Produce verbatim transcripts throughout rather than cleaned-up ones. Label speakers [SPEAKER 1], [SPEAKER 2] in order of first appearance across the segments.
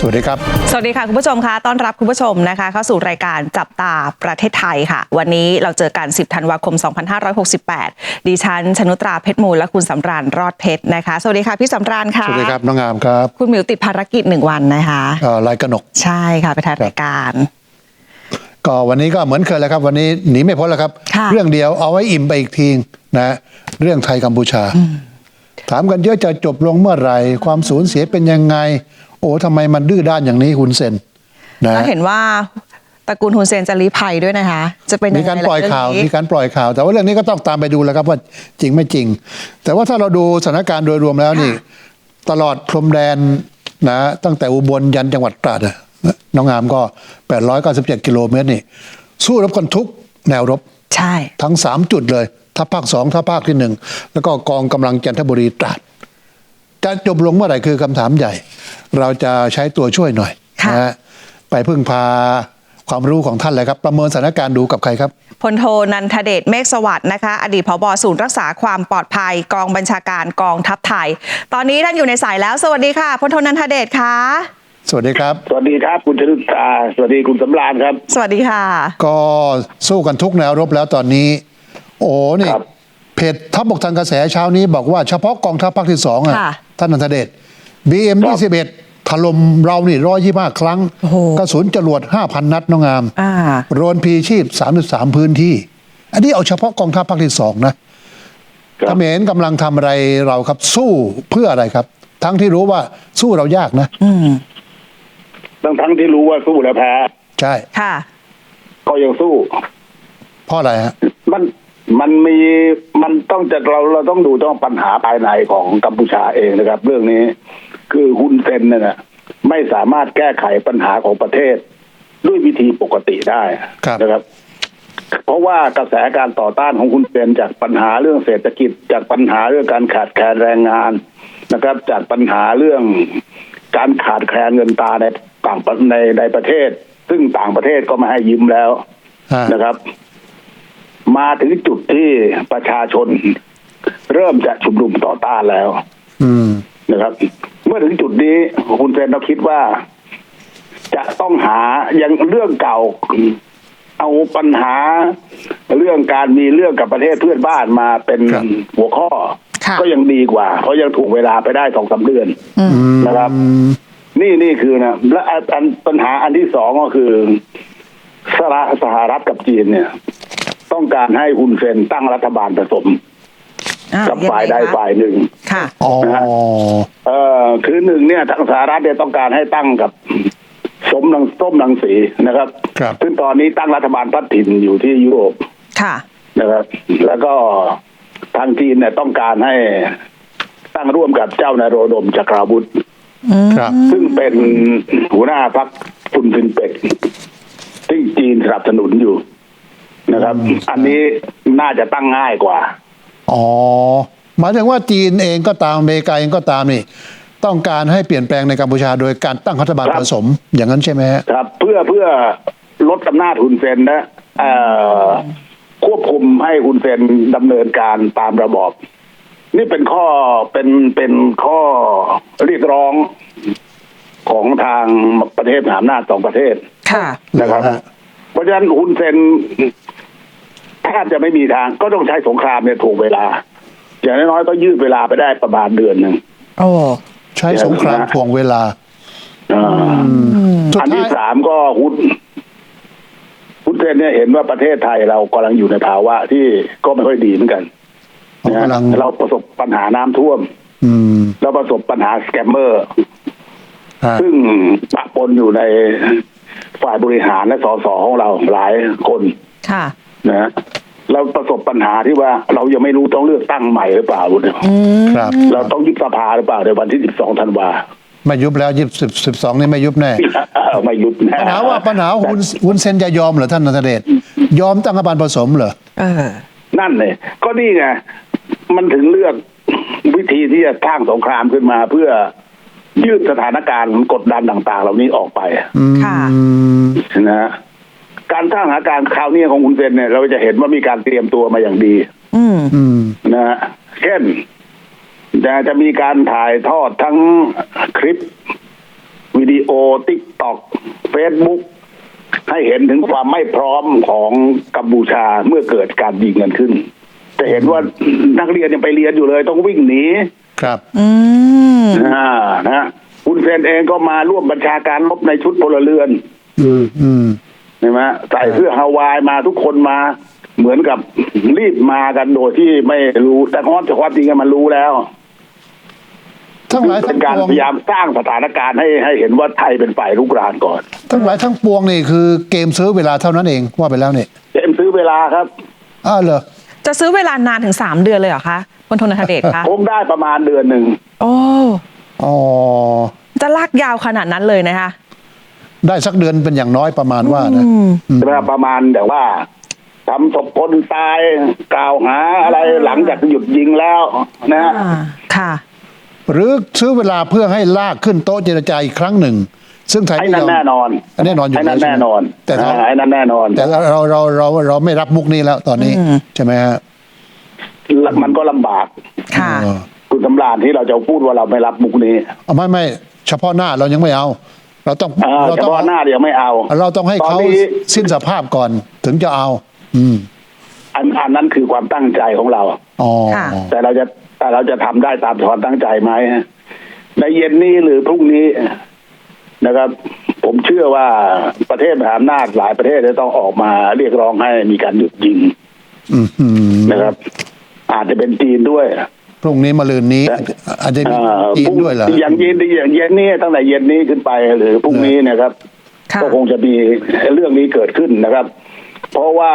[SPEAKER 1] สวัสดีครับ
[SPEAKER 2] สวัสดีค่ะคุณผู้ชมคะต้อนรับคุณผู้ชมนะคะเข้าสู่รายการจับตาประเทศไทยค่ะวันนี้เราเจอกันสิบธันวาคมสองพันห้าร้อยหกสิบแปดดิฉันชนุตราเพชรมูลและคุณสำราญรอดเพชรนะคะสวัสดีค่ะพี่สำราญค่ะ
[SPEAKER 1] สวัสดีครับน้องงามครับ
[SPEAKER 2] คุณหมิวติดภารกิจหนึ่งวันนะคะ
[SPEAKER 1] เอ่อรายกนก
[SPEAKER 2] ใช่ค่ะไปถ่ายรายการ
[SPEAKER 1] ก็วันนี้ก็เหมือนเคยแล้วครับวันนี้หนีไม่พ้นแล้วครับเรื่องเดียวเอาไว้อิ่มไปอีกทีนะเรื่องไทยกัมพูชาถามกันเยอะจะจบลงเมื่อไหร่ความสูญเสียเป็นยังไงโอ้ทำไมมันดื้อด้านอย่างนี้ฮุนเซน
[SPEAKER 2] นะเห็นว่าตระกูลฮุนเซนจะลี้ภัยด้วยนะคะจะเป็น
[SPEAKER 1] มีการปล่อยข่าวมีการปล่อยข่าวแต่ว่าเรื่องนี้ก็ต้องตามไปดูแล้วครับว่าจริงไม่จริงแต่ว่าถ้าเราดูสถานการณ์โดยรวมแล้วนี่ตลอดพรมแดนนะตั้งแต่อุบลยันจังหวัดตราดน้องงามก็แปดร้อยเก้าสิบเจ็ดกิโลเมตรนี่สู้รบกันทุกแนวรบ
[SPEAKER 2] ใช่
[SPEAKER 1] ทั้งสามจุดเลยทัพภาคสองทัพภาคที่หนึ่งแล้วก็กองกำลังจันทบุรีตราดจะจบลงเมื่อไหร่คือคำถามใหญ่เราจะใช้ตัวช่วยหน่อยนะฮะไปพึ่งพาความรู้ของท่านเลยครับประเมินสถานการณ์ดูกับใครครับ
[SPEAKER 2] พลโทนันทเดชเมฆสวัสดิ์นะคะอดีตผบ.ศูนย์รักษาความปลอดภัยกองบัญชาการกองทัพไทยตอนนี้ท่านอยู่ในสายแล้วสวัสดีค่ะพลโทนันทเดชค่ะ
[SPEAKER 1] สวัสดีครับ
[SPEAKER 3] สวัสดีครับคุณชนุตราสวัสดีคุณสำราญครับ
[SPEAKER 2] สวัสดีค่ะ
[SPEAKER 1] ก็สู้กันทุกแนวรบแล้วตอนนี้โอ้นี่เพจทัพบกทางกระแสเช้านี้บอกว่าเฉพาะกองทัพภาคที่สองอ่ะท่านนันทเดช บี เอ็ม ยี่สิบเอ็ด ถล่มเรานี่ร้อยยี่สิบห้าครั้งกระสุนจรวด ห้าพัน นัดน้องงามโดรนพีชีพสามสิบสามพื้นที่อันนี้เอาเฉพาะกองทัพภาคที่สองนะเขมรกำลังทำอะไรเราครับสู้เพื่ออะไรครับทั้งที่รู้ว่าสู้เรายากนะ
[SPEAKER 3] ทั้งทั้งที่รู้ว่าสู้แล้วแพ้
[SPEAKER 1] ใช่
[SPEAKER 2] ค่ะ
[SPEAKER 3] ก็ยังสู้
[SPEAKER 1] เพราะอะไรฮะ
[SPEAKER 3] มันมันมีมันต้องจะเราเราต้องดูต้องปัญหาภายในของกัมพูชาเองนะครับเรื่องนี้คือฮุนเซนเนี่ยนะไม่สามารถแก้ไขปัญหาของประเทศด้วยวิธีปกติได้นะครับเพราะว่ากระแสการต่อต้านของฮุนเซนจากปัญหาเรื่องเศรษฐกิจจากปัญหาเรื่องการขาดแคลนแรงงานนะครับจากปัญหาเรื่องการขาดแคลนเงินตราในต่างในในประเทศซึ่งต่างประเทศก็มาให้ยืมแล้วนะครับมาถึงจุดที่ประชาชนเริ่มจะชุมนุมต่อต้านแล้วนะครับเมื่อถึงจุดนี้คุณเซนเราคิดว่าจะต้องหายังเรื่องเก่าเอาปัญหาเรื่องการมีเรื่องกับประเทศเพื่อนบ้านมาเป็นหัวข้อก็ยังดีกว่าเพราะยังถูกเวลาไปได้สองสามเดือนนะครับนี่นี่คือนะและอันปัญหาอันที่สองก็คือสหรัฐกับจีนเนี่ยต้องการให้ฮุนเซนตั้งรัฐบาลผสมกับฝ่ายใดฝ่ายหนึ่ง
[SPEAKER 2] ค่ะ
[SPEAKER 1] นะฮะ
[SPEAKER 3] เอ่อคือหนึ่งเนี่ยทางสหรัฐเนี่ยต้องการให้ตั้งกับสมรังส้มรังสีนะครับซึ่งตอนนี้ตั้งรัฐบาลพัฒถิ่นอยู่ที่ยุโรป
[SPEAKER 2] ค่ะ
[SPEAKER 3] นะครับแล้วก็ทางจีนเนี่ยต้องการให้ตั้งร่วมกับเจ้านายโรดมจักราวุธซึ่งเป็นหัวหน้าพรรคฟุนซินเป็กที่จีนสนับสนุนอยู่นะครับอันนี้น่าจะตั้งง่ายกว่า
[SPEAKER 1] อ๋อหมายถึงว่าจีนเองก็ตามอเมริกาเองก็ตามนี่ต้องการให้เปลี่ยนแปลงในกัมพูชาโดยการตั้งรัฐบาลผสมอย่างนั้นใช่ไหม
[SPEAKER 3] ครับเพื่อเพื่อลดอำนาจฮุนเซนนะควบคุมให้ฮุนเซนดำเนินการตามระบอบนี่เป็นข้อเป็นเป็นข้อเรียกร้องของทางประเทศมหาอำนาจสองประเทศนะครับเพราะฉะนั้นฮุนเซนแทบจะไม่มีทางก็ต้องใช้สงครามเนี่ยถูกเวลาอย่างน้อยๆก็ยืดเวลาไปได้ประมาณเดือนหนึ่ง
[SPEAKER 1] โอ้ใช้สงครามทวงเวลา
[SPEAKER 3] อันที่สามก็ฮุนฮุนเซนเนี่ยเห็นว่าประเทศไทยเรากำลังอยู่ในภาวะที่ก็ไม่ค่อยดีเหมือนกันเราประสบปัญหาน้ำท่วมเราประสบปัญหาสแกมเมอร์ซึ่งปะปนอยู่ในฝ่ายบริหารและสสของเราหลายคนนะเราประสบปัญหาที่ว่าเรายังไม่รู้ต้องเลือกตั้งใหม่หรือเปล่า
[SPEAKER 1] ครับ
[SPEAKER 3] เราต้องยุบสภาหรือเปล่าในวันที่สิบสองธันวา
[SPEAKER 1] ไม่ยุบแล้วยี่สิบสิบสองนี่ไม่ยุบแน่
[SPEAKER 3] ไม่ยุบแน่
[SPEAKER 1] ปัญหาว่าปัญหาฮุนฮุนเซนจะยอมเหรอท่านนันทเดชยอมตั้งรัฐบาลผสมเหรอ
[SPEAKER 3] นั่นเลยก็นี่ไงมันถึงเลือกวิธีที่จะสร้างสงครามขึ้นมาเพื่อยืดสถานการณ์กดดันต่างๆเหล่านี้ออกไป
[SPEAKER 2] ค่ะ
[SPEAKER 3] นะการสร้างสถานการณ์คราวนี้ของคุณเซนเนี่ยเราจะเห็นว่ามีการเตรียมตัวมาอย่างดีนะฮะเช่นจะจะมีการถ่ายทอดทั้งคลิปวิวิดีโอติ๊กต็อกเฟซบุ๊กให้เห็นถึงความไม่พร้อมของกัมพูชาเมื่อเกิดการยิงกันขึ้นจะเห็นว่านักเรียนยังไปเรียนอยู่เลยต้องวิ่งหนี
[SPEAKER 1] ครับ
[SPEAKER 2] อืม
[SPEAKER 3] อ่านะคุณเซนเองก็มาร่วมบัญชาการรบในชุดพลเรือน
[SPEAKER 1] อืมอืม
[SPEAKER 3] ใช่ไหมใส่เสื้อฮาวายมาทุกคนมาเหมือนกับรีบมากันโดยที่ไม่รู้แต่ความแต่ความจริงมันรู้แล้ว
[SPEAKER 1] ทั้งหลาย
[SPEAKER 3] เป็
[SPEAKER 1] ทั้
[SPEAKER 3] น
[SPEAKER 1] ง
[SPEAKER 3] การ
[SPEAKER 1] ปวง
[SPEAKER 3] พยายามสร้างสถานการณ์ให้ให้เห็นว่าไทยเป็นฝ่ายรุกรานก่อน
[SPEAKER 1] ทั้งหลายทั้งปวงนี่คือเกมซื้อเวลาเท่านั้นเองว่าไปแล้วเนี่ย
[SPEAKER 3] เจมซื้อเวลาครับ
[SPEAKER 1] อ้าวเหรอ
[SPEAKER 2] จะซื้อเวลานานถึงสามเดือนเลยเหรอคะพลโทณัฐเดชคะ
[SPEAKER 3] คงได้ประมาณเดือนหนึ่ง
[SPEAKER 2] โอ้
[SPEAKER 1] อ๋อ
[SPEAKER 2] จะลากยาวขนาดนั้นเลยนะคะ
[SPEAKER 1] ได้สักเดือนเป็นอย่างน้อยประมาณว่านะ
[SPEAKER 2] อืม
[SPEAKER 3] ใช่ไหมประมาณแต่ว่าทำศพคนตายกล่าวหาอะไรหลังจากหยุดยิงแล้วนะ
[SPEAKER 2] อ่าค่ะ
[SPEAKER 1] หรือซื้อเวลาเพื่อให้ลากขึ้นโต๊ะเจรจาอีกครั้งหนึ่ง ซึ่งไทย
[SPEAKER 3] ไอ้
[SPEAKER 1] ไม่
[SPEAKER 3] นั่
[SPEAKER 1] ย
[SPEAKER 3] น
[SPEAKER 1] อม
[SPEAKER 3] แน่นอน
[SPEAKER 1] แน่นอนอยู่
[SPEAKER 3] ไอ้นั่น
[SPEAKER 1] ล้วใช่
[SPEAKER 3] แน่
[SPEAKER 1] ไหม
[SPEAKER 3] นอน
[SPEAKER 1] แต่เรา
[SPEAKER 3] อ่าไอ้นั่นแน่นอน
[SPEAKER 1] แต่เราเราเราเราไม่รับมุกนี้แล้วตอนนี้
[SPEAKER 2] อืม
[SPEAKER 1] ใช่ไหมฮะ
[SPEAKER 3] มันก็ลำบาก
[SPEAKER 2] ค่ะ
[SPEAKER 1] เออ
[SPEAKER 3] คุณสำราญที่เราจะพูดว่าเราไม่รับมุกนี้
[SPEAKER 1] เอาไม่ไม่เฉพาะหน้าเรายังไม่เอา เราต้อง
[SPEAKER 3] อ่า
[SPEAKER 1] เรา
[SPEAKER 3] เฉ
[SPEAKER 1] ต้อง
[SPEAKER 3] พาะหน้าเดี๋ยวไม่เอา
[SPEAKER 1] เราต้องให้
[SPEAKER 3] ตอน
[SPEAKER 1] เขา
[SPEAKER 3] นี้
[SPEAKER 1] สิ้นสภาพก่อนถึงจะเอา อืม
[SPEAKER 3] อันอันนั้นคือความตั้งใจของเรา
[SPEAKER 1] อ๋อ
[SPEAKER 2] ค่ะ
[SPEAKER 3] แต่เราจะแต่เราจะทำได้ตามความตั้งใจไหมในเย็นนี้หรือพรุ่งนี้นะครับ ผมเชื่อว่าประเทศมหาอำนาจหลายประเทศจะต้องออกมาเรียกร้องให้มีการหยุดยิง
[SPEAKER 1] อืมอืม
[SPEAKER 3] นะครับ อาจจะเป็นจีนด้วย
[SPEAKER 1] พรุ่งนี้มะรืนนี้ อาจจะมี
[SPEAKER 3] อ่า
[SPEAKER 1] จีนด้วยเหรอ
[SPEAKER 3] อย่างเย็นอย่างเย็นนี้ตั้งแต่เย็นนี้ขึ้นไปหรือพรุ่งนี้นะครับ
[SPEAKER 2] ค่ะ
[SPEAKER 3] ก็คงจะมีเรื่องนี้เกิดขึ้นนะครับ เพราะว่า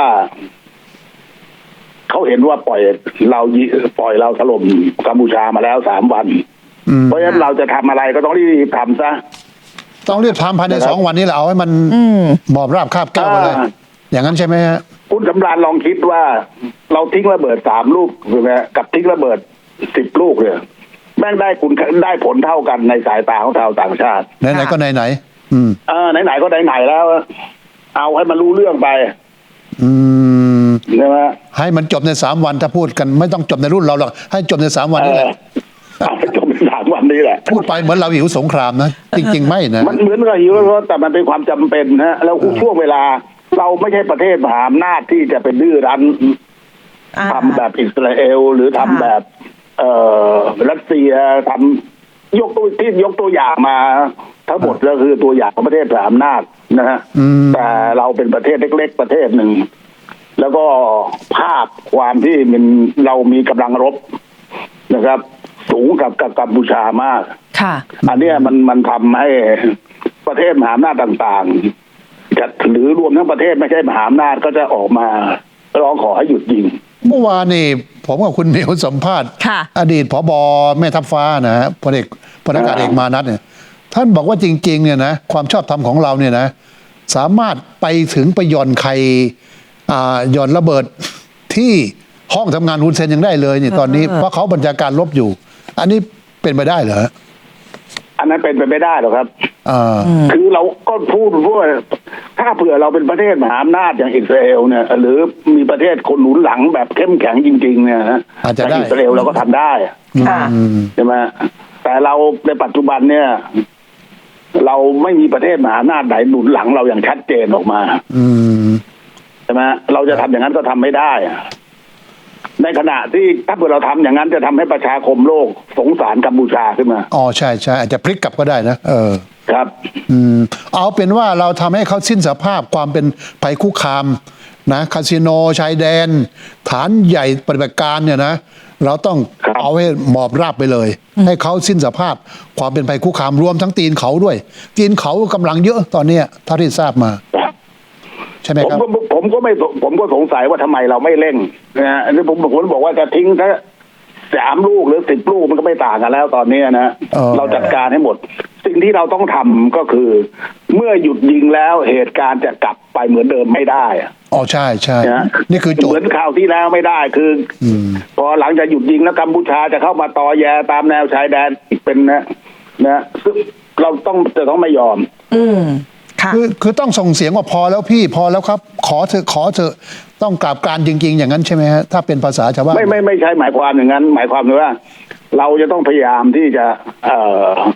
[SPEAKER 3] เขาเห็นว่าปล่อยเรายิปล่อยเราถล่มกัมพูชามาแล้วสามวัน
[SPEAKER 1] อืม
[SPEAKER 3] เพราะฉะนั้นเราจะทำอะไรก็ต้องรีบทำซะ
[SPEAKER 1] ต้องรีบทำภายใน
[SPEAKER 3] นะครับ
[SPEAKER 1] สองวันนี้แหละเอาให้มัน
[SPEAKER 2] อืม
[SPEAKER 1] หมอบราบคาบแก้วไปเลย
[SPEAKER 3] อ่า
[SPEAKER 1] อย่างนั้นใช่ไหมฮะ
[SPEAKER 3] คุณสำราญลองคิดว่า เราทิ้งระเบิดสามลูกใช่ไหมกับทิ้งระเบิดสิบลูกเลยแม่งได้คุณได้ผลเท่ากันในสายตาของชาวต่างชาติ
[SPEAKER 1] ไหนๆก็ไหนๆอืม
[SPEAKER 3] เออไหนๆก็ไหนๆแล้ว เอาให้มันรู้เรื่องไป
[SPEAKER 1] อืม
[SPEAKER 3] ใช่ไหม
[SPEAKER 1] ให้มันจบในสามวันถ้าพูดกันไม่ต้องจบในรุ่นเราหรอกให้จบในสามวัน
[SPEAKER 3] เอ
[SPEAKER 1] นี่แห
[SPEAKER 3] อ
[SPEAKER 1] ละ
[SPEAKER 3] เอาไปจบในสามวันนี้แหละ
[SPEAKER 1] พูดไปเหมือนเราหิวสงครามนะ จริง ๆ ไม่นะ
[SPEAKER 3] มันเหมือนกับหิวแล้วแต่มันเป็นความจำเป็นนะแล้วช่วงเวลา เราไม่ใช่ประเทศมหาอำนาจที่จะเป็นดื้อรั้น
[SPEAKER 2] อ่า
[SPEAKER 3] ทำแบบอิสราเอลหรือทำ
[SPEAKER 2] ค่ะ
[SPEAKER 3] แบบ เอ่อรัสเซียทำยกตัวที่ยกตัวอย่างมา ทั้งหมดก็คือตัวอย่างของประเทศมหาอำนาจนะฮะ
[SPEAKER 1] อืม
[SPEAKER 3] แต่เราเป็นประเทศเล็ก ๆ ประเทศหนึ่ง แล้วก็ภาพความที่มันเรามีกำลังรบนะครับ สูงกับกับกัมพูชามาก
[SPEAKER 2] ค่ะ
[SPEAKER 3] อันเนี้ยมันมันทำให้ประเทศมหาอำนาจต่างๆจะหรือรวมทั้งประเทศไม่ใช่มหาอำนาจก็จะออกมาร้องขอให้หยุดยิง
[SPEAKER 1] เมื่อวานนี่ผมกับคุณเหมียวสัมภาษณ์
[SPEAKER 2] ค่ะ
[SPEAKER 1] อดีตผบแม่ทัพฟ้านะฮะพลเอกพลอากาศเอกมานัทเนี่ยท่านบอกว่าจริง ๆ เนี่ยนะความชอบธรรมของเราเนี่ยนะ สามารถไปถึงไปหย่อนใครอ่าหย่อนระเบิดที่ห้องทำงานฮุนเซนยังได้เลยเนี่ยตอนนี้
[SPEAKER 2] เออ
[SPEAKER 1] เพราะเขาบัญชาการลบอยู่ อันนี้เป็นไปได้เหรอ
[SPEAKER 3] อันนั้นเป็นไปไม่ได้หรอกครับ
[SPEAKER 1] อ่า
[SPEAKER 3] คือเราก็พูดว่าถ้าเผื่อเราเป็นประเทศมหาอำนาจอย่างอิสราเอลเนี่ย หรือมีประเทศคนหนุนหลังแบบเข้มแข็งจริง ๆ เนี่ยนะ
[SPEAKER 1] อาจจะได้
[SPEAKER 3] อิสราเอลเราก็ทำได้
[SPEAKER 2] ค่ะ
[SPEAKER 1] อืม
[SPEAKER 3] ใช่ไหมแต่เราในปัจจุบันเนี่ย เราไม่มีประเทศมหาอำนาจไหนหนุนหลังเราอย่างชัดเจนออกมา
[SPEAKER 1] อืม
[SPEAKER 3] ใช่ไหมเราจะทำอย่างนั้นก็ทำไม่ได้ ในขณะที่ถ้าเกิดเราทำอย่างนั้นจะทำให้ประชาคมโลกสงสารกัมพูชาขึ้นมา
[SPEAKER 1] อ๋อใช่ใช่อาจจะพลิกกลับก็ได้นะเออ
[SPEAKER 3] ครับ
[SPEAKER 1] อืมเอาเป็นว่าเราทำให้เขาสิ้นสภาพความเป็นภัยคุกคามนะคาสิโนชายแดน ฐานใหญ่ปฏิบัติการเนี่ยนะ เราต้อง
[SPEAKER 3] ครับ
[SPEAKER 1] เอาให้หมอบราบไปเลย ให้เขาสิ้นสภาพความเป็นภัยคุกคามรวมทั้งตีนเขาด้วย ตีนเขากำลังเยอะตอนเนี้ยเท่าที่ทราบมา ใช่ไหม
[SPEAKER 3] ผม
[SPEAKER 1] ครับ
[SPEAKER 3] ก็ผมก็ไม่ผมก็สงสัยว่าทำไมเราไม่เร่งนะฮะอันนี้ผมผมบอกว่าจะทิ้งถ้าสามลูกหรือสิบลูกมันก็ไม่ต่างกันแล้วตอนนี้นะ
[SPEAKER 1] เออ
[SPEAKER 3] เราจัดการให้หมด สิ่งที่เราต้องทำก็คือ เมื่อหยุดยิงแล้วเหตุการณ์จะกลับไปเหมือนเดิมไม่ได้
[SPEAKER 1] อ๋อใช่ใช่
[SPEAKER 3] นะ
[SPEAKER 1] นี่คือโจ
[SPEAKER 3] เหมื
[SPEAKER 1] ท
[SPEAKER 3] อน
[SPEAKER 1] ย์
[SPEAKER 3] ข่าวที่แล้วไม่ได้คือ
[SPEAKER 1] อืม
[SPEAKER 3] พอหลังจากหยุดยิงแล้วกัมพูชาจะเข้ามาตอแยตามแนวชายแดนอีกเป็นนะนะซึ่งเราต้องจะต้องไม่ยอม
[SPEAKER 2] อืม ค่ะ
[SPEAKER 1] คือคือต้องส่งเสียงว่าพอแล้วพี่พอแล้วครับ ขอเถอะขอเถอะต้องกราบกรานจริง ๆ อย่างนั้นใช่ไหมฮะถ้าเป็นภาษาชาวบ้าน
[SPEAKER 3] ไม่ไม่ไม่ใช่หมายความอย่างนั้น หมายความว่า เราจะต้องพยายามที่จะเอ่อคว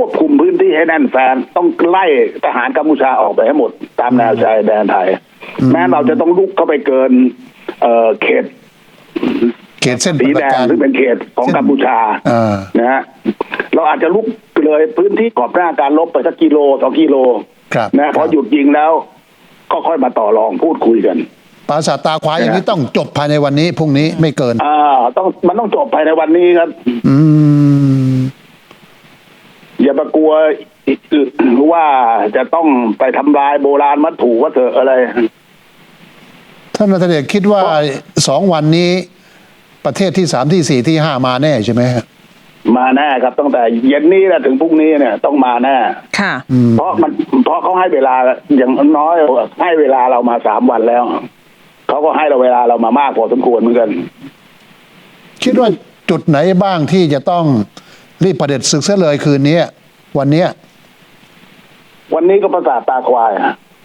[SPEAKER 3] ควบคุมพื้นที่ให้แน่นแฟนต้องไล่ทหารกัมพูชาออกไปให้หมดตามแนวชายแดนไทยแม้เราจะต้องลุกเข้าไปเกินเอ่อเขต
[SPEAKER 1] เขตเส้น
[SPEAKER 3] สี
[SPEAKER 1] ป
[SPEAKER 3] แด
[SPEAKER 1] ระ
[SPEAKER 3] ง
[SPEAKER 1] การ
[SPEAKER 3] ซึ่งเป็นเขตของกัมพูชา
[SPEAKER 1] อ่า
[SPEAKER 3] นะฮะเราอาจจะลุกเลยพื้นที่ขอบหน้าการลบไปสักกิโลสองกิโล
[SPEAKER 1] ครับ
[SPEAKER 3] นะพอหยุดยิงแล้ว ก็ค่อยมาต่อรองพูดคุยกัน
[SPEAKER 1] ปราสาทตาควายอย่างนี้ต้องจบภายในวันนี้พรุ่งนี้ไม่เกิน
[SPEAKER 3] อ่าต้องมันต้องจบภายในวันนี้ครับ
[SPEAKER 1] อืม
[SPEAKER 3] อย่าไปกลัวว่าจะต้องไปทำลายโบราณวัตถุวัตถุอะไร
[SPEAKER 1] ท่านรัฐเดชคิดว่าสองวันนี้ประเทศที่สามที่สี่ที่ห้ามาแน่ใช่ไหมฮะ
[SPEAKER 3] มาแน่ครับตั้งแต่เย็นนี้แหละถึงพรุ่งนี้เนี่ยต้องมาแน่
[SPEAKER 2] ค่ะ
[SPEAKER 3] เพราะมันเพราะเขาให้เวลาอย่างน้อยให้เวลาเรามาสามวันแล้วเขาก็ให้เราเวลาเรามามากพอสมควรเหมือนกัน
[SPEAKER 1] คิดว่าจุดไหนบ้างที่จะต้องรีบประเด็จศึกเสียเลยคืนนี้วันเนี้ย
[SPEAKER 3] วันนี้ก็ประสาทตาควาย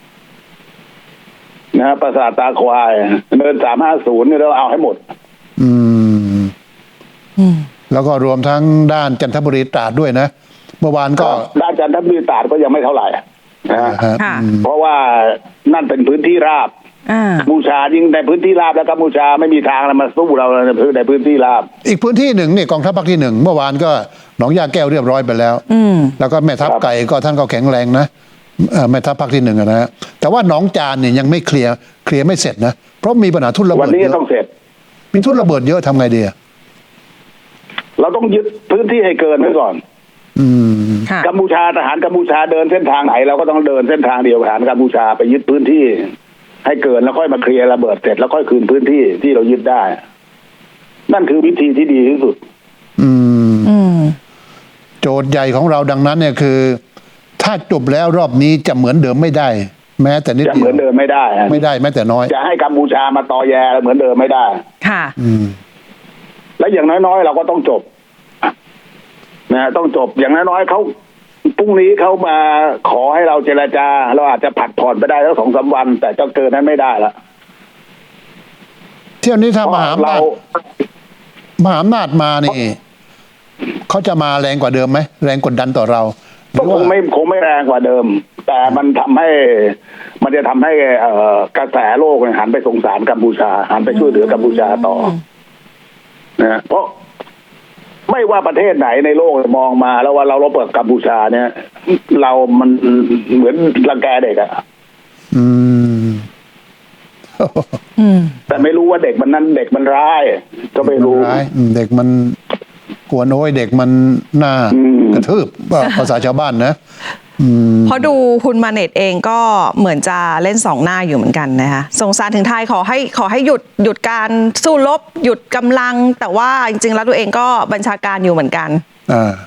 [SPEAKER 3] นะประสาทตาควายเดินสามห้าศูนย์เนี่ยเราเอาให้หมด
[SPEAKER 1] อืม
[SPEAKER 2] อืม
[SPEAKER 1] แล้วก็รวมทั้งด้านจันทบุรีตราดด้วยนะ เมื่อวานก็
[SPEAKER 3] ด้านจันทบุรีตราดก็ยังไม่เท่าไหร่นะฮะ
[SPEAKER 1] ฮะ
[SPEAKER 2] ค่ะ
[SPEAKER 1] อืม
[SPEAKER 3] เพราะว่านั่นเป็นพื้นที่ราบ
[SPEAKER 2] อ่า
[SPEAKER 3] กัมพูชายิ่งในพื้นที่ราบแล้วกัมพูชาไม่มีทางอะไรมาสู้เราในพื้นในพื้นที่ราบ
[SPEAKER 1] อีกพื้นที่หนึ่งนี่กองทัพภาคที่หนึ่งเมื่อวานก็หนองยาแก้วเรียบร้อยไปแล้ว
[SPEAKER 2] อืม
[SPEAKER 1] แล้วก็แม่ทัพ
[SPEAKER 3] ครับ
[SPEAKER 1] ไก่ก็ท่านก็แข็งแรงนะเอ่อแม่ทัพภาคที่หนึ่งอะนะฮะแต่ว่าหนองจานเนี่ยยังไม่เคลียร์เคลียร์ไม่เสร็จนะเพราะมีปัญหาทุ่นระ
[SPEAKER 3] วั
[SPEAKER 1] เบิ
[SPEAKER 3] น
[SPEAKER 1] ด
[SPEAKER 3] นี้
[SPEAKER 1] เยอะ
[SPEAKER 3] ต้องเสร็จ
[SPEAKER 1] มีทุ่นระเบิดเยอะทำไงดีอะ
[SPEAKER 3] เราต้องยึดพื้นที่ให้เกินไว้ก่อน
[SPEAKER 1] อืม
[SPEAKER 2] ค่ะ
[SPEAKER 3] กัมพูชาทหารกัมพูชาเดินเส้นทางไหนเราก็ต้องเดินเส้นทางเดียวกับทหารกัมพูชาไปยึดพื้นที่ ให้เกินแล้วค่อยมาเคลียร์ระเบิดเสร็จแล้วค่อยคืนพื้นที่ที่เรายึดได้ นั่นคือวิธีที่ดีที่สุด
[SPEAKER 1] อืม
[SPEAKER 2] อืม
[SPEAKER 1] โจทย์ใหญ่ของเราดังนั้นเนี่ยคือ ถ้าจบแล้วรอบนี้จะเหมือนเดิมไม่ได้ แม้แต่นิด
[SPEAKER 3] จะ
[SPEAKER 1] เดี
[SPEAKER 3] เห
[SPEAKER 1] ย
[SPEAKER 3] มื
[SPEAKER 1] ว
[SPEAKER 3] อนเดิมไม่ได้ฮะ
[SPEAKER 1] ไม่ได้แม้แต่น้อย
[SPEAKER 3] จะให้กัมพูชามาตอแยเหมือนเดิมไม่ได้
[SPEAKER 2] ค่ะ
[SPEAKER 1] อืม
[SPEAKER 3] และอย่างน้อยๆเราก็ต้องจบนะต้องจบอย่างน้อยๆเขาพรุ่งนี้เขามาขอให้เราเจรจา เราอาจจะผัดผ่อนไปได้แล้วสองสามวัน แต่เจ้าเกินนั้นไม่ได้ละ
[SPEAKER 1] เที่ยวนี้ถ้า
[SPEAKER 3] เพ
[SPEAKER 1] ม
[SPEAKER 3] ราะ
[SPEAKER 1] หาอำ
[SPEAKER 3] เรา
[SPEAKER 1] นาจมหาอำนาจมานี่เขาจะมาแรงกว่าเดิมไหมแรงกดดันต่อเราห
[SPEAKER 3] ก็
[SPEAKER 1] รือ
[SPEAKER 3] ค
[SPEAKER 1] ว่าง
[SPEAKER 3] ไม่คงไม่แรงกว่าเดิม แต่มันทำให้ มันจะทำให้เอ่อกระแสโลกเนี่ยหันไปสงสารกัมพูชาหันไปช่วยเหลือกัมพูชาต่อนะเพราะไม่ว่าประเทศไหนในโลกมองมาแล้วว่าเราเราเปิดกัมพูชาเนี่ย เรามันเหมือนรังแกเด็กอะ
[SPEAKER 1] อืม
[SPEAKER 2] อืม
[SPEAKER 3] แต่ไม่รู้ว่าเด็กมันนั้นเด็กมันร้าย ก็ไม่รู้
[SPEAKER 1] ร้ายอืมเด็กมันกวนโอ้ยเด็กมันหน้า
[SPEAKER 3] อืม
[SPEAKER 1] กระทืบว่าภาษาชาวบ้านนะ อืม
[SPEAKER 2] พอดูคุณมาเน็ตเองก็เหมือนจะเล่นสองหน้าอยู่เหมือนกันนะคะสงสารถึงไทยขอให้ขอให้หยุดหยุดการสู้รบหยุดกำลัง แต่ว่าจริงๆแล้วตัวเองก็บัญชาการอยู่เหมือนกัน
[SPEAKER 1] อ่า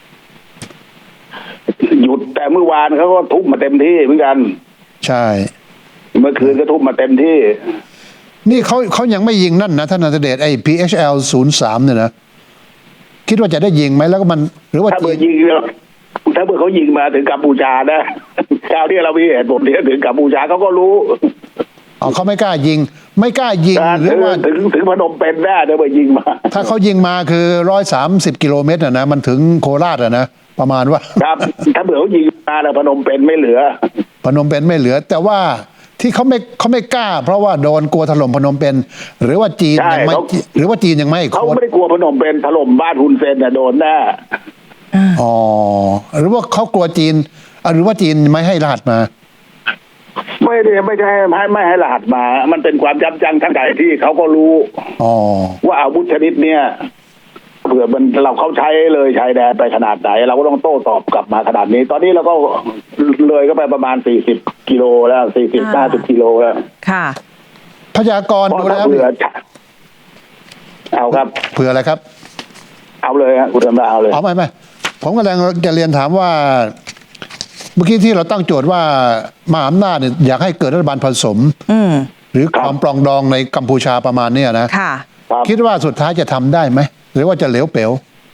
[SPEAKER 3] หยุดแต่เมื่อวานเขาก็ทุบมาเต็มที่เหมือนกัน
[SPEAKER 1] ใช่
[SPEAKER 3] เมื่อคืนก็ทุบมาเต็มที่
[SPEAKER 1] นี่เขาเขายังไม่ยิงนั่นนะท่านนันทเดชไอ้ พี เอช แอล ศูนย์สามเนี่ยนะคิดว่าจะได้ยิงไหมแล้วก็มันหรือว่า
[SPEAKER 3] ถ้าเบอ
[SPEAKER 1] จีน
[SPEAKER 3] ร์ยิงแล้วถ้าเบอร์เขายิงมาถึงกัมพูชานะคราวที่เรามีเหตุผลที่ถึงกัมพูชาเขาก็รู้
[SPEAKER 1] อ๋อเขาไม่กล้ายิง ไม่กล้ายิงหรือว่า
[SPEAKER 3] ถึงถึงพนมเปญแน่ถ้าเบอร์ยิงมา
[SPEAKER 1] ถ้าเขายิงมาคือร้อยสามสิบกิโลเมตรอะนะมันถึงโคราชอะนะประมาณว่า
[SPEAKER 3] ครับ ถ้าเบอร์เขายิงมาแล้วพนมเปญไม่เหลือ
[SPEAKER 1] พนมเปญไม่เหลือ แต่ว่าที่เขาไม่เขาไม่กล้า เพราะว่าโดนกลัวถล่มพนมเปญหรือว่าจีน
[SPEAKER 3] ใช่
[SPEAKER 1] ยังไม่
[SPEAKER 3] เขา
[SPEAKER 1] หรือว่าจีนยังไม่
[SPEAKER 3] เขา
[SPEAKER 1] โค้ด
[SPEAKER 3] ไม่ได้กลัวพนมเปญถล่มบ้านฮุนเซนเนี่ยโดนแน่
[SPEAKER 1] อ๋อหรือว่าเขากลัวจีนอ่ะหรือว่าจีนไม่ให้รหัสมา
[SPEAKER 3] ไม่ได้ไม่ใช่ให้ไม่ให้รหัสมา มันเป็นความยับยั้งทั้งใจที่เขาก็รู้
[SPEAKER 1] อ๋อ
[SPEAKER 3] ว่าอาวุธชนิดเนี้ยเผื่อมันเราเขาใช้เลยชายแดนไปขนาดไหน เราก็ต้องโต้ตอบกลับมาขนาดนี้ ตอนนี้เราก็เลยก็ไปประมาณสี่สิบกิโลแล้วสี่สิบห้าสิบกิโลแล้ว
[SPEAKER 2] ค่ะ
[SPEAKER 1] พยากรณ์
[SPEAKER 3] เพราะ
[SPEAKER 1] ดู
[SPEAKER 3] ถ้า
[SPEAKER 1] แล้ว
[SPEAKER 3] เผื่อเอาครับ
[SPEAKER 1] เผื่ออะไรครับ
[SPEAKER 3] เอาเลยฮะคุณธรรมดาเอาเลย
[SPEAKER 1] อ๋อไม่ไม่ผมกำลังจะเรียนถามว่า เมื่อกี้ที่เราตั้งโจทย์ว่ามหาอำนาจเนี่ยอยากให้เกิดรัฐบาลผสม
[SPEAKER 2] อืม
[SPEAKER 1] หรือความปรองดองในกัมพูชาประมาณเนี้ยนะ
[SPEAKER 2] ค่ะ
[SPEAKER 3] ครับ
[SPEAKER 1] คิดว่าสุดท้ายจะทำได้ไหมหรือว่าจะเหลวเป๋ว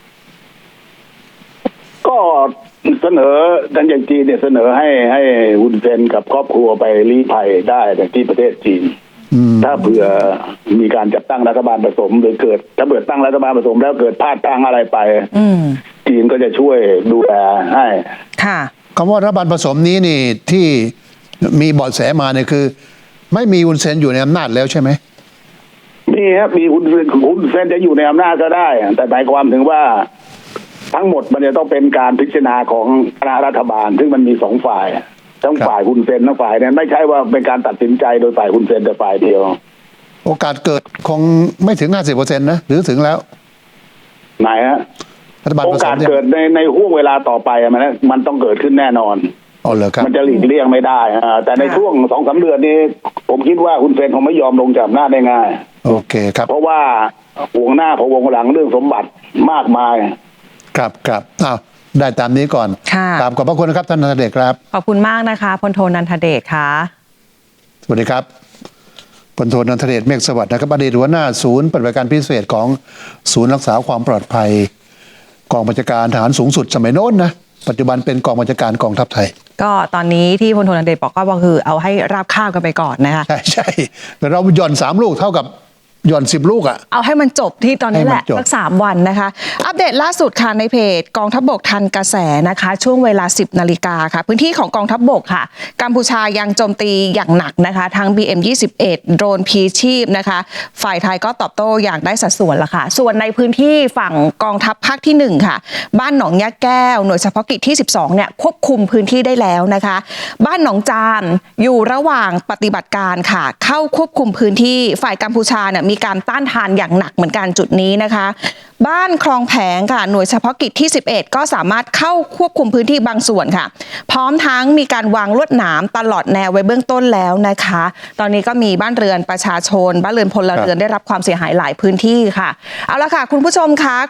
[SPEAKER 3] ก็เสนอทางอย่างจีนเนี่ยเสนอให้ให้ฮุนเซนกับครอบครัวไปลี้ภัยได้แต่ที่ประเทศจีน
[SPEAKER 1] อืม
[SPEAKER 3] ถ้าเผื่อมีการจัดตั้งรัฐบาลผสมหรือเกิด ถ้าเกิดตั้งรัฐบาลผสมแล้วเกิดพลาดทางอะไรไป
[SPEAKER 2] อืม
[SPEAKER 3] จีจีนก็จะช่วยดูแลให้
[SPEAKER 2] ค่ะ
[SPEAKER 1] คำว่ารัฐบาลผสมนี้นี่ที่มีเบาะแสมาเนี่ยคือ ไม่มีอุนเซนอยู่ในอำนาจแล้วใช่ไหม
[SPEAKER 3] มีครับมีคุณคุณเซนจะอยู่ในอำนาจก็ได้ แต่หมายความถึงว่าทั้งหมดมันจะต้องเป็นการพิจารณาของคณะรัฐบาล ซึ่งมันมีสองฝ่ายทั้งฝ่ายคุณเซนทั้งฝ่ายเนี่ยไม่ใช่ว่าเป็นการตัดสินใจโดยฝ่ายคุณเซนแต่ฝ่ายเดียว
[SPEAKER 1] โอกาสเกิดคงไม่ถึง ห้าสิบเปอร์เซ็นต์ นะหรือถึงแล้ว
[SPEAKER 3] ไหนฮะ
[SPEAKER 1] รัฐบาล
[SPEAKER 3] โอ
[SPEAKER 1] ผส
[SPEAKER 3] กาม ส
[SPEAKER 1] เนี่ย
[SPEAKER 3] เกิดในในห่วงเวลาต่อไปอะมันมันต้องเกิดขึ้นแน่นอน
[SPEAKER 1] อ๋อเหรอครับ
[SPEAKER 3] มันจะหลีกเลี่ยงไม่ได้อ่าแต่ในช่วงสองสามเดือนนี้ ผมคิดว่าคุณเซนคงไม่ยอมลงจากอำนาจได้ง่าย
[SPEAKER 1] โอเคครับ
[SPEAKER 3] เพราะว่าห่วงหน้าพะวงหลังเรื่องสมบัติมากมาย
[SPEAKER 1] ครับครับอ้าวได้ตามนี้ก่อน
[SPEAKER 2] ค่ะ
[SPEAKER 1] ตามขอบพระคุณนะครับท่านนันทเดชครับ
[SPEAKER 2] ขอบคุณมากนะคะพลโทนันทเดชค่ะ
[SPEAKER 1] สวัสดีครับพลโทนันทเดชเมฆสวัสดิ์นะครับอดีตหัวหน้าศูนย์ปฏิบัติการพิเศษของศูนย์รักษาความปลอดภัยกองบัญชาการทหารสูงสุดสมัยโน้นนะปัจจุบันเป็นกองบัญชาการกองทัพไทย
[SPEAKER 2] ก็ตอนนี้ที่พลโทนันทเดชบอกก็คือเอาให้ราบคาบกันไปก่อนนะคะ
[SPEAKER 1] ใช่ใช่แต่เราหย่อนสามลูกเท่ากับหย่อนสิบลูกอ่ะ
[SPEAKER 2] เอาให้มันจบที่ตอนนี้แหละ
[SPEAKER 1] ให้มันจบ
[SPEAKER 2] สักสามวันนะคะ อัปเดตล่าสุดค่ะในเพจกองทัพบกทันกระแสนะคะ ช่วงเวลา สิบนาฬิกาค่ะ พื้นที่ของกองทัพบกค่ะ กัมพูชายังโจมตีอย่างหนักนะคะ ทั้ง บี เอ็ม ยี่สิบเอ็ด โดรนพีชีพนะคะ ฝ่ายไทยก็ตอบโต้อย่างได้สัดส่วนละค่ะ ส่วนในพื้นที่ฝั่งกองทัพภาคที่หนึ่งค่ะ บ้านหนองยะแก้วหน่วยเฉพาะกิจที่สิบสองเนี่ยควบคุมพื้นที่ได้แล้วนะคะ บ้านหนองจานอยู่ระหว่างปฏิบัติการค่ะ เข้าควบคุมพื้นที่ฝ่ายกัมพูชาเนี่ยมีการต้านทานอย่างหนักเหมือนกันจุดนี้นะคะ บ้านคลองแผงค่ะหน่วยเฉพาะกิจที่สิบเอ็ดก็สามารถเข้าควบคุมพื้นที่บางส่วนค่ะ พร้อมทั้งมีการวางลวดหนามตลอดแนวไว้เบื้องต้นแล้วนะคะ ตอนนี้ก็มีบ้านเรือนประชาชนบ้านเรือนพลเรือนได้รับความเสียหายหลายพื้นที่ค่ะเอาละค่ะคุณผู้ชมคะ